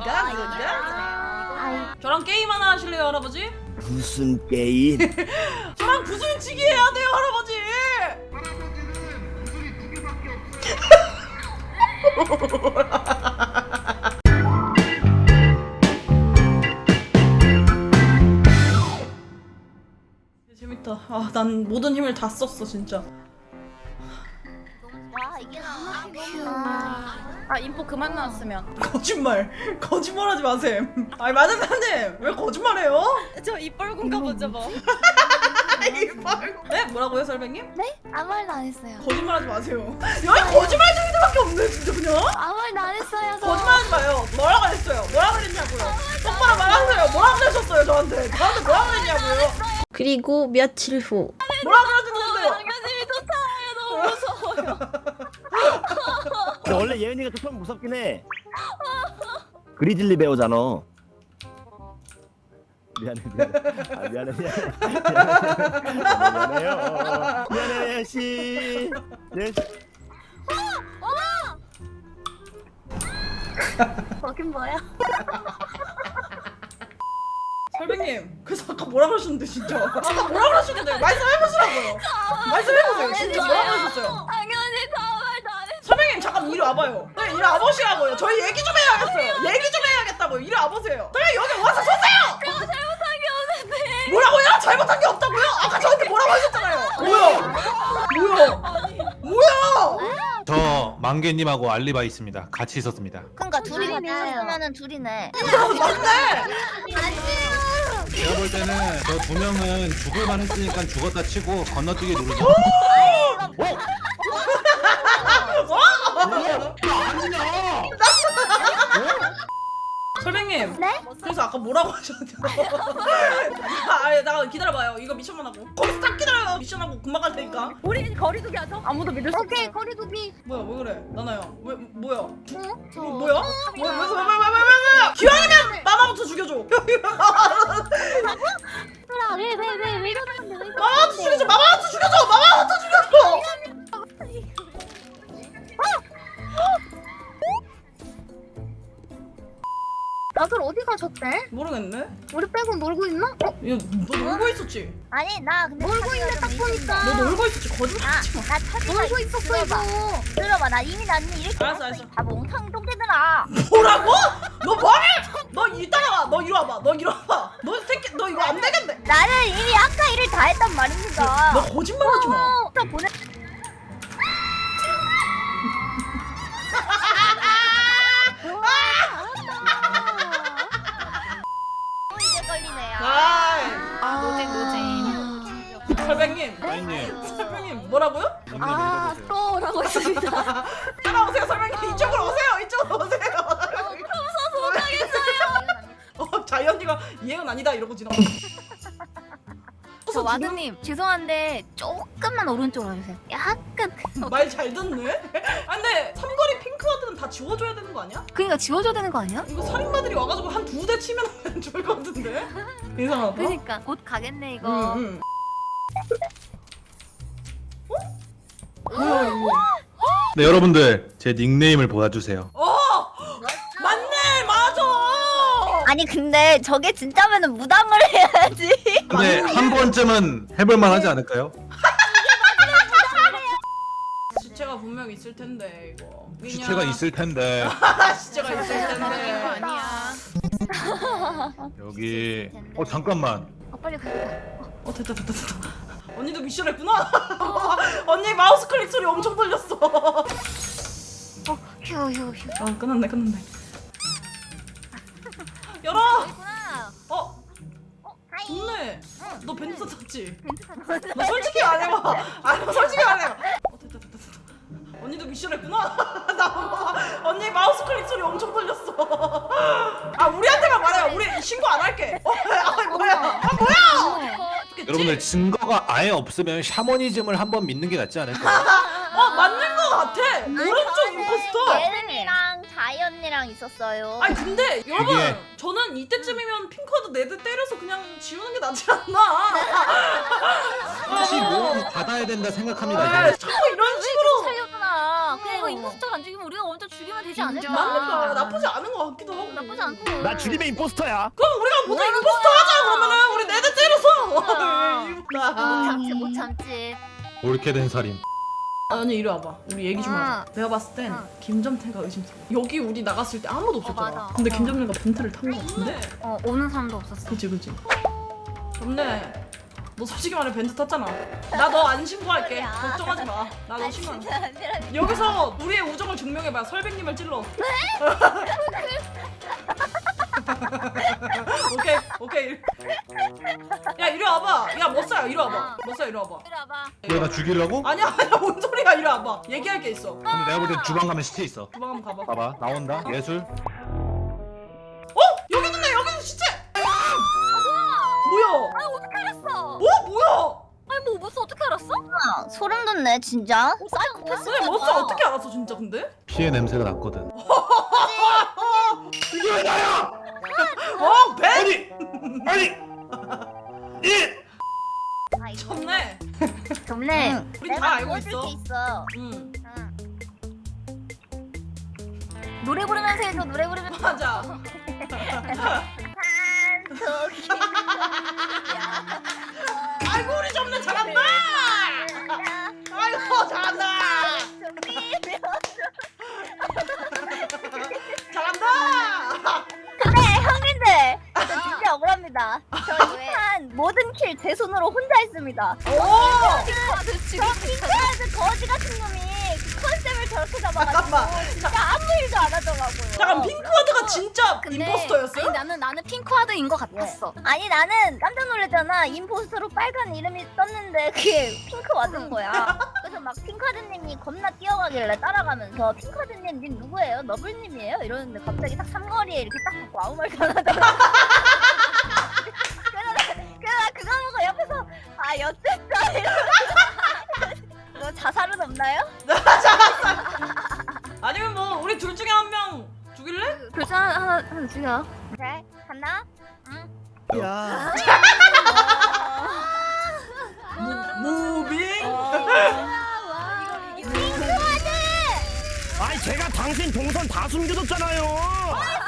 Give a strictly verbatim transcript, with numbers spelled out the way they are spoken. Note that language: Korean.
가 이거 가. 저랑 게임 하나 하실래요 할아버지? 무슨 게임? 저랑 구슬치기 해야 돼요 할아버지. 재밌다. 아, 난 모든 힘을 다 썼어 진짜. 와 이게 너무 아 인포 그만 나왔으면. 거짓말. 거짓말하지 마세요. 아니 마전사님 왜 거짓말해요? 저 입 벌군가 보죠 뭐. 네? 뭐라고요 설백님? 네? 아무 말도 안 했어요. 거짓말하지 마세요. 여기 거짓말쟁이들밖에 없네 진짜 그냥. 아무 말도 안 했어요. 저. 거짓말하지 마요. 뭐라고 했어요? 뭐라고 그랬냐고요? 똑바로 말하세요. 뭐라고 그러셨어요 저한테? 저한테 뭐라고 그랬냐고요? 그리고 며칠 후 뭐라고 그러셨는데요? 장관님이 쫓아와요. 너무 무서워요. 근데 원래 예은이가 좀 무섭긴 해. 그리즐리 배우잖아. 미안해 미안해. 아 미안해 미안해. 미안해요. 미안해요 씨. 네. 거긴 뭐야? 설백님 그래서 아까 뭐라고 하셨는데 진짜 아까 뭐라고 하셨는데 말씀해보시라고요. 말씀해보세요. 진짜 뭐라고 하셨어요? 당연히 아무 말도 안 했어. 설백님 잠깐 이리 와봐요. 네, 이리 와보시라고요. 저희 얘기 좀 해야겠어요. 얘기 좀 해야겠다고요. 이리 와보세요. 설백님 여기 와서 서세요. 제가 잘못한 게 없는데. 뭐라고요? 잘못한 게 없다고요? 아까 저한테 뭐라고 하셨잖아요. 뭐야? 뭐야? 뭐야? 저 만개님하고 알리바이 있습니다. 같이 있었습니다. 그러니까 둘이 같이 있으면은 둘이네. 맞네. 제가 볼 때는 저 두 명은 죽을 만했으니까 죽었다 치고 건너뛰기 누르죠. 설백님. 네? 그래서 아까 뭐라고 하셨는데? 아, 나 기다려봐요. 이거 미션만 하고. 거기서 딱 기다려요. 미션하고 금방 갈 테니까. 우리 거리두기 하죠? 아무도 믿을 수 없어. 오케이 거리두기. 뭐야, 왜 그래? 나나야. 왜 뭐야? 어? 저. 뭐야? 뭐야? 왜, 왜, 왜, 왜, 왜, 왜, 왜? 기왕이면 마마부터 죽여줘. 왜왜왜왜 이러는데 왜 마마부터 죽여줘. 마마부터 죽여줘. 마마부터 죽여줘. 다들 어디 가셨대? 모르겠네. 우리 빼고 놀고 있나? 어? 야, 너 놀고 있었지? 아니 나 근데 놀고 있는데 딱 보니까. 너 놀고 있었지? 거짓말하지 마. 나 찾아 놀고 있었어 이거. 들어봐 나 이미 나는 이렇게 알았어, 알았어. 다 몽탕 똥개들아. 뭐라고? 너 뭐해? 너 이따가 와. 너 이리 와봐. 너 이리 와봐. 너 새끼, 너 이거 안 되겠네. 나는 이미 아까 일을 다 했단 말입니다. 너 거짓말하지 마. 어, 저 보내. 또 이제 걸리네요. 아이. 노잼 노잼. 설백님. 사인님, 설백님 뭐라고요? 한번 읽어보세요. 또라고 했습니다. 따라오세요 설백님. 이쪽으로 오세요. 이쪽으로 오세요. 무서워서 못하겠어요. 어, 자이언니가 이해는 아니다 이러고 지나가. 저 와드님 죄송한데 조금만 오른쪽으로 해주세요. 약간. 말잘 듣네. 아 근데 삼거리 핑크와드는 다 지워줘야 되는 거 아니야? 그러니까 지워줘야 되는 거 아니야? 이거 살인마들이 와가지고 한 두 대 치면 좋을 것 같은데? 이상하다. 그러니까 곧 가겠네 이거. 응, 응. 어? 뭐야 이거? 네 여러분들 제 닉네임을 보아주세요. 어! 맞네! 맞아! 아니 근데 저게 진짜면은 무당을 해야지. 근데 한 번쯤은 해볼만 하지 않을까요? 시체가 분명 있을 텐데 이거. 시체가 있을 텐데 시체가 있을 텐데. 아니야. 여기 어 잠깐만 아 빨리 가. 어 됐다 됐다 됐다. 언니도 미션 했구나. 언니 마우스 클릭 소리 엄청 들렸어. 어 휴 휴 휴. 아 끝났네 끝났네. 열어. 있구나. 어 어 하이. 좋네. 너 벤츠 탔지? 너 솔직히 말해봐. 아니 너 솔직히 말해봐. 어 됐다 됐다 됐다. 언니도 미션 했구나. 나 언니 마우스 클릭 소리 엄청 들렸어. 아 우리한테만 말해요. 우리 신고 안 할게. 어, 아 뭐야? 아 뭐야? 여러분들 증거가 아예 없으면 샤머니즘을 한번 믿는 게 낫지 않을까요? 어 맞는 거 같아. 오른쪽 임포스터. 예은이랑 자이 언니랑 있었어요. 아니 근데 여러분 이게- 저는 이때쯤이면 핑크와드 네드 때려서 그냥 지우는 게 낫지 않나? 다시 모험이 받아야 된다 생각합니다. 아, 저는. 자꾸 이런 식으로. 살려주나. 그냥 이거 임포스터를 안 죽이면 우리가 먼저 죽이면 되지 나쁘지 않을까? 맞는다. 나쁘지 않은 것 같기도 하고. 나쁘지 않고. 나 주림의 임포스터야. 그럼 우리가 모두 임포스터 하자 그러면은 우리 네대 때려서. 못 나. 참지 못 참지. 옳게 된 살인. 아니 이리 와봐. 우리 얘기 좀 하자. 응. 내가 봤을 땐 응. 김점태가 의심스러워. 여기 우리 나갔을 때 아무도 없었잖아. 맞아. 근데 어. 김점태가 벤트를 탄 거 같은데? 어 오는 사람도 없었어. 그치 그치. 점래. 너 솔직히 말해 벤트 탔잖아. 나 너 안 신고할게. 소리야. 걱정하지 마. 나 너 신고. 안 해. 아니라. 여기서 우리의 우정을 증명해봐. 설백님을 찔러. 오케이 오케이. 야 이리 와봐. 야 멋사야 이리 와봐. 멋사야 이리 와봐. 이리 와봐. 왜 나 죽이려고? 아니야 아니야 뭔 소리야 이리 와봐. 얘기할 게 있어. 근데 내가 볼 땐 주방 가면 시체 있어. 주방 한번 가봐. 봐봐 나온다 예술. 어? 여기 있네 여기 시체. 뭐야? 아 어떻게 알았어? 어 뭐야? 아니 뭐 무슨 어떻게 알았어? 아, 소름 돋네 진짜. 사이코패스. 근데 멋사 어떻게 알았어 진짜 근데? 피해 냄새가 났거든. 이게 왜 나야? 어 벤? 아니 아니 이 아 이거 쳤네. 좋네. 우리 다 알고 있어. 있어. 응 응. 노래 부르면서 해줘 노래 부르면서. 맞아. 저기. 아이고 우리 점래 잘한다. 아이고 잘한다. 잘한다. 근데 형님들 저 진짜 억울합니다. 저 이판 모든 킬 제 손으로 혼자 했습니다. 오. 저 핑크헤드 거지 같은 놈이 그 컨셉을 저렇게 잡아가지고 잠깐만. 진짜 아무 일도 안 하더라고요. 잠깐 핑크워드가 진짜 근데 임포스터였어요? 아니, 나는 나는 핑크와드인 것 같았어. 아니 나는 깜짝 놀랐잖아. 임포스터로 빨간 이름이 떴는데 그게 핑크와드인 거야. 그래서 막 핑크와드님이 겁나 뛰어가길래 따라가면서 핑크와드님 님 누구예요? 너블님이에요? 이러는데 갑자기 딱 삼거리에 이렇게 딱 보고 아무 말도 안 하더라고. 그래서 나 그거 보고 옆에서 아 여쨌다 이러면서 너 자살은 없나요? 아니면 뭐 우리 둘 중에 한 명 죽일래? 둘중 하나 하나 하나 죽여. 그래 간다. 야. 무빙? 아니 제가 당신 동선 다 숨겨뒀잖아요.